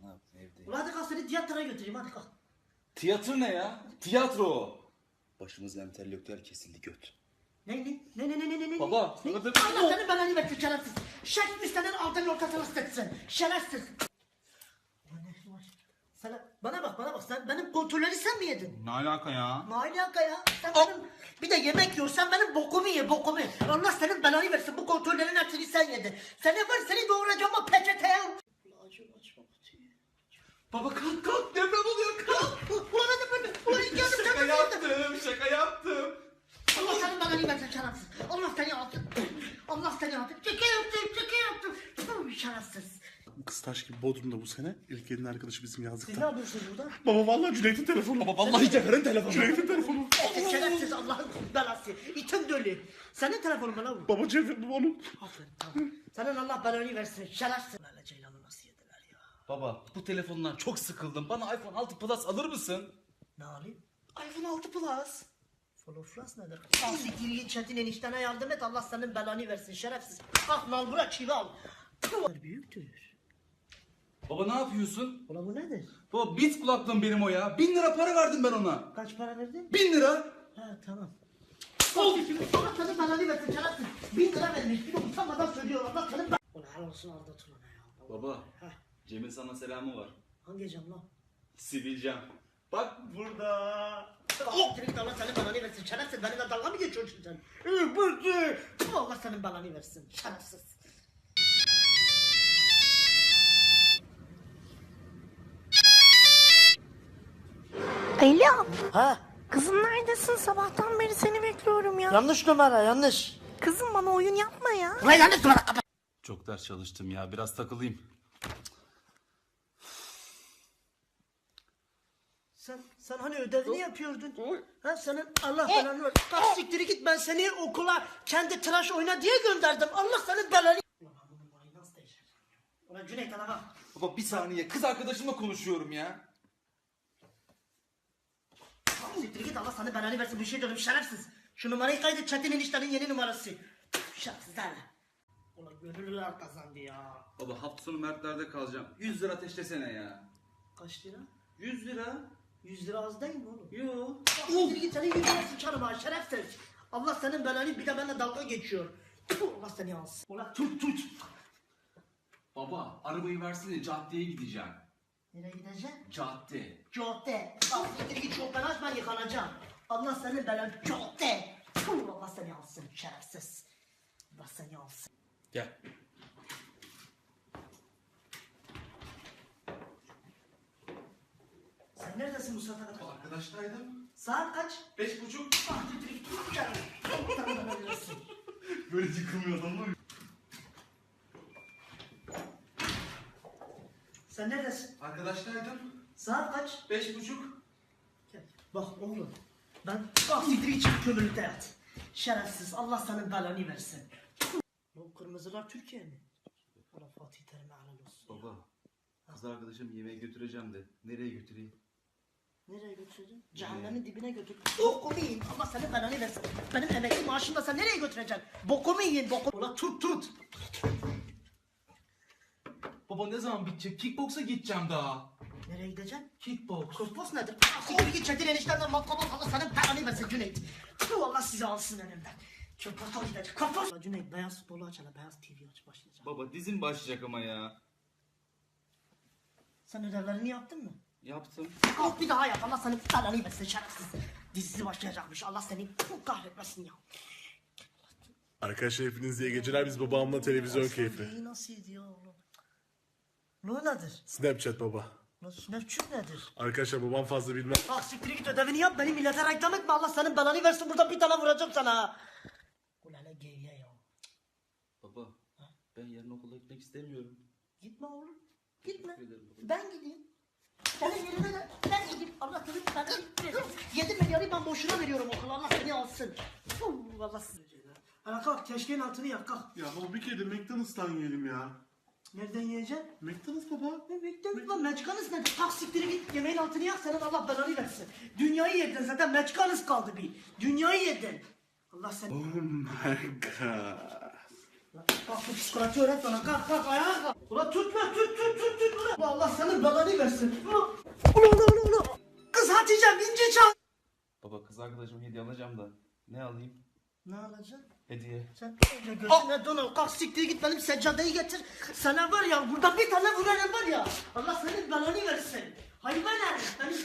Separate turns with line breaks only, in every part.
Ne yaptın evdeyim?
Ulan hadi kalk seni tiyatroya götüreyim hadi kalk.
Tiyatro ne ya? Tiyatro o. Başımız entelektüel kesildi göt.
Ne?
Baba,
Ne?
sana dedim.
Allah seni belanı versin şerefsiz. Şerefsiz senin altının ortasına sıçsın. Şerefsiz. Ulan ne var? Bana bak sen benim kontrolleri sen mi yedin?
Ne alaka ya?
Ne alaka ya? Sen benim bir de yemek yiyorsan benim bokumu ye bokumu. Allah senin belanı versin bu kontrollerin hepsini sen yedin. Seni doğuracağım o peçeteye.
Baba kalk deprem oluyor kalk.
Ulan hadi ulan geldim
Şaka yaptım.
Allah senin belanı versin şerefsiz. Allah seni alsın. Allah seni alsın. Şaka yaptım. Puh, şerefsiz.
Kıstaş gibi Bodrum'da bu sene. İlk elin arkadaşı bizim
Siz ne
yazlıkta.
yapıyorsunuz burada?
Baba vallahi Cüneyt'in telefonu.
Baba vallahi Cafer'in telefonu.
Cüneyt'in telefonu.
Şerefsiz Allah'ın belası. İtin dölü. Senin telefonun bana vur.
Baba Cevdet onun.
Aferin tamam. Senin Allah belanı versin. Şerefsiz. Lale Ceylan'ı nasıl yediler ya?
Baba bu telefondan çok sıkıldım. Bana iPhone 6 Plus alır mısın?
Ne alayım?
iPhone 6 Plus.
Floflas nedir? Siktir Çetin eniştene yardım et. Allah senin belanı versin şerefsiz. Bak nalbura çivi al. Büyüktür.
Baba ne yapıyorsun?
Ulan bu nedir?
Baba Beats kulaklığım benim o ya. 1000 lira para verdim ben ona.
Kaç para verdin?
1000 lira.
Ha tamam. Allah senin belanı versin şerefsiz. 1000 lira vermiş. Bir de utanmadan söylüyor Allah senin belanı. Ulan helal olsun aldatın ona ya.
Baba
Heh.
Cem'in sana selamı var.
Hangi cam lan?
Sivilcem. Bak burada.
Oh! Direkt Allah senin belanı versin şerefsiz. Benimle dalga mı geçiyorsun sen? Bıktı. Allah senin belanı versin şerefsiz.
Alo.
Ha?
Kızım neredesin? Sabahtan beri seni bekliyorum ya.
Yanlış numara yanlış.
Kızım bana oyun yapma ya.
Ulan yanlış numara.
Çok ders çalıştım ya. Biraz takılayım.
Sen hani ödevini yapıyordun? Ha senin Allah belanı ver. Kalk siktiri git ben seni okula kendi tıraş oyna diye gönderdim. Allah senin belanı. Ulan ben bu numarayı nasıl değiştireceğim? Ulan Cüneyt ana bak.
Baba bir saniye. Kız arkadaşımla konuşuyorum ya.
Kalk siktiri git Allah senin belanı versin bir şey diyorum şerefsiz. Şu numarayı kaydet Çetin eniştenin yeni numarası. Şerefsizler. Ulan gönüllüler kazandı ya.
Baba hafta sonu Mertler'de kalacağım. 100 lira ateşlesene ya.
Kaç lira?
100 lira.
100 lira az değil mi oğlum?
Yo.
Siktir git senin 100 lira sıçarım ha şerefsiz. Allah senin belanı bir de benimle dalga geçiyor. Tüh, Allah seni alsın. Ulan tut.
Baba arabayı versene caddeye gideceğim.
Nereye gideceksin?
Cadde.
Cadde. Al siktir git çok ben açma yıkanacağım. Allah senin belanı cadde. Tüh, Allah seni alsın şerefsiz. Allah seni alsın.
Gel.
Sen neredesin bu saate kadar?
Arkadaştaydım.
Saat kaç?
5.30.
Ah siktir git. Gel. Allah sana belanı versin.
Böyle yıkılmıyor adamlar.
Sen neredesin?
Arkadaştaydım.
Saat kaç?
5.30.
Gel. Bak oğlum. Ben siktir git kömürlükte yat. Şerefsiz. Allah senin belanı versin. Bu kırmızılar Türkiye mi? Allah Fatih Terim'e helal olsun.
Baba kız arkadaşım yemeğe götüreceğim de nereye götüreyim?
Nereye götüreceksin? Cehennemin dibine götür. Bokumu yiyin. Allah senin belanı versin. Benim emekli maaşımla sen nereye götüreceksin? Bokumu yiyin. Bokumu. Ulan tut.
Baba ne zaman bitecek? Kickboksa gideceğim daha.
Nereye gideceksin?
Kickboks.
Kosmos nedir? Siktir git Çetin eniştemden matkabı Allah senin belanı versin Cüneyt. Tüh Allah sizi alsın elimden. Köpata gidecek. Kapat. Cüneyt beyaz futbolu aç hele. Beyaz TV aç başlayacak.
Baba dizin başlayacak ama ya.
Sen ödevlerini yaptın mı?
Yaptım.
Kalk bir daha yap. Allah senin belanı versin şerefsiz. Dizisi başlayacakmış. Allah seni kahretmesin ya.
Arkadaşlar hepiniz iyi geceler. Biz babamla televizyon keyfi.
Neyi nasıl ediyor oğlum? Ne nedir?
Snapchat baba.
Snapchat nedir?
Arkadaşlar babam fazla bilmez.
Ah siktir git ödevini yap beni millete reklam etme Allah senin belanı versin burada bir tane vuracağım sana. Ulan ne geyiğe ya.
Baba ben yarın okula gitmek istemiyorum.
Gitme oğlum. Gitme.
Teşekkür ederim baba.
Ben gideyim. Senin yerine de ben gideyim. Allah senin belanı versin. 7 milyarı ben boşuna veriyorum okula Allah seni alsın. Fuh, Allah seni. Ana kalk keşkeğin altını yak kalk.
Ya baba bir kere de McDonald's'tan yiyelim ya.
Nereden yiyeceksin?
McDonald's baba.
Ne bekliyorsun lan meçkanız nedir? Kalk siktiri git yemeğin altını yak senin Allah belanı versin. Dünyayı yedin zaten meçkanız kaldı bir. Dünyayı yedin. Allah seni.
Oh my god.
Kalk bu psikoloji öğret bana kalk ayağa kalk. Ulan tut. Ulan Allah Allah senin belanı versin. Ulan. Kız Hatice'm ince çal.
Baba kız arkadaşıma hediye alacağım da ne alayım?
Ne alacaksın?
Hediye.
Sen önce gözüne don al. Kalk siktir git benim seccadeyi getir. Sana var ya burada bir tane vurarım var ya. Allah senin belanı versin. Hayvan herif. Benim...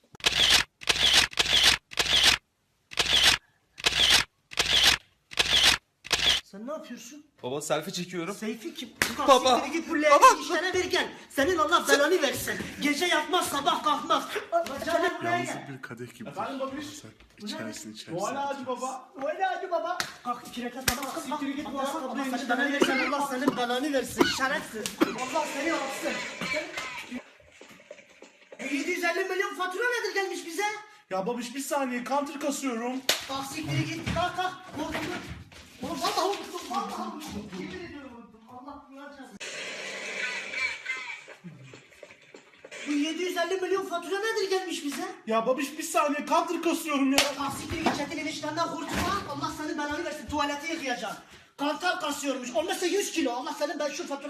Sen ne yapıyorsun?
Baba selfie çekiyorum.
Seyfi kim?
Baba.
Siktir git bu leğeni işlere ver gel. Senin Allah belanı versin. Gece yatmaz sabah kalkmaz. Canım buraya gel.
Yalnız bir kadeh gibi.
Efendim babiş?
İçersin.
Noel ağacı baba.
Öyle hadi baba. Kalk iki rekat namaz kıl.
Siktir git
Allah
baba.
sana belanı versin. Allah senin belanı versin. Şerefsiz. Allah seni alsın. 750 milyon fatura nedir gelmiş bize?
Ya babiş bir saniye counter kasıyorum.
Kalk siktir git. Kalk. Oğlum vallahi unuttum. Vallahi unuttum. Yemin ediyorum unuttum. Allah duyacağız. Bu 750 milyon fatura nedir gelmiş bize?
Ya babiş bir saniye counter kasıyorum ya.
Kalk siktir git. Çetin eniştenden kurtulma. Allah senin belanı versin. Tuvaleti yıkayacaksın. Kantar kasıyormuş. Olmazsa 100 kilo. Allah senin ben şu fatura...